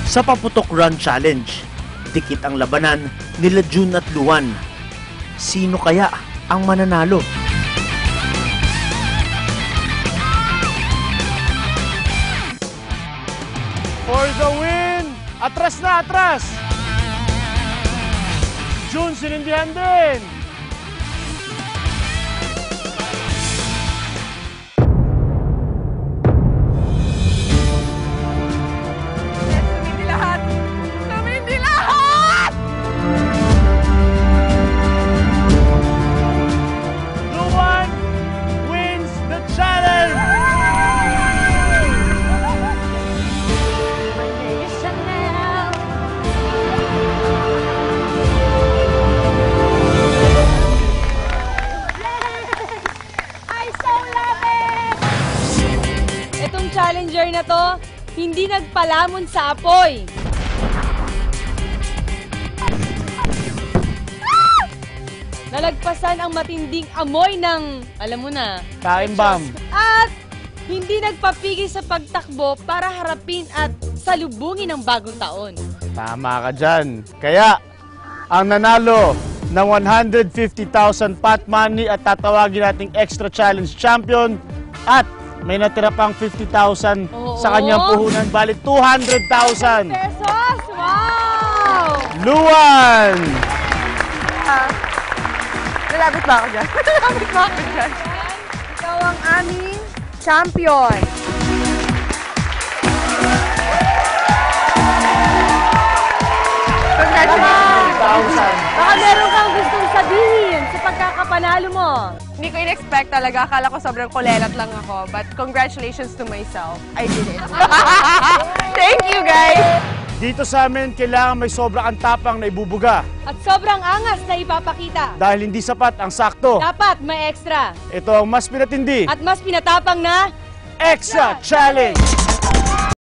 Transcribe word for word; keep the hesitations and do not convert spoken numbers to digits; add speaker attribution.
Speaker 1: Sa Paputok Run Challenge, dikit ang labanan nila June at Luan. Sino kaya ang mananalo?
Speaker 2: For the win! Atras na, atras! June, sinindihan din!
Speaker 3: Tumindi lahat! Tumindi lahat!
Speaker 2: Luan wins the challenge!
Speaker 3: Itong challenger na to, hindi nagpalamon sa apoy. Ah! Nalagpasan ang matinding amoy ng, alam mo na,
Speaker 2: Kaimbam.
Speaker 3: at hindi nagpapigil sa pagtakbo para harapin at salubungin ang bagong taon.
Speaker 2: Tama ka dyan. Kaya, ang nanalo ng one hundred fifty thousand pot money at tatawagin nating extra challenge champion at may natira pang fifty thousand
Speaker 3: Oo.
Speaker 2: sa kanyang puhunan. Bali, two hundred thousand.
Speaker 3: Pesos! Wow!
Speaker 2: Luan!
Speaker 4: Ah, lalapit ba ako dyan? Lalapit ba ako dyan? Ikaw ang aming champion. Congratulations!
Speaker 3: Baka meron kang gustong sabihin sa pagkakapanalo mo.
Speaker 4: Hindi ko in-expect talaga. Akala ko sobrang kulelat lang ako. But congratulations to myself. I did it. Thank you, guys!
Speaker 2: Dito sa amin, kailangan may sobra kang tapang na ibubuga.
Speaker 3: At sobrang angas na ipapakita.
Speaker 2: Dahil hindi sapat ang sakto.
Speaker 3: Dapat may extra.
Speaker 2: Ito ang mas pinatindi.
Speaker 3: At mas pinatapang na
Speaker 2: Extra Challenge!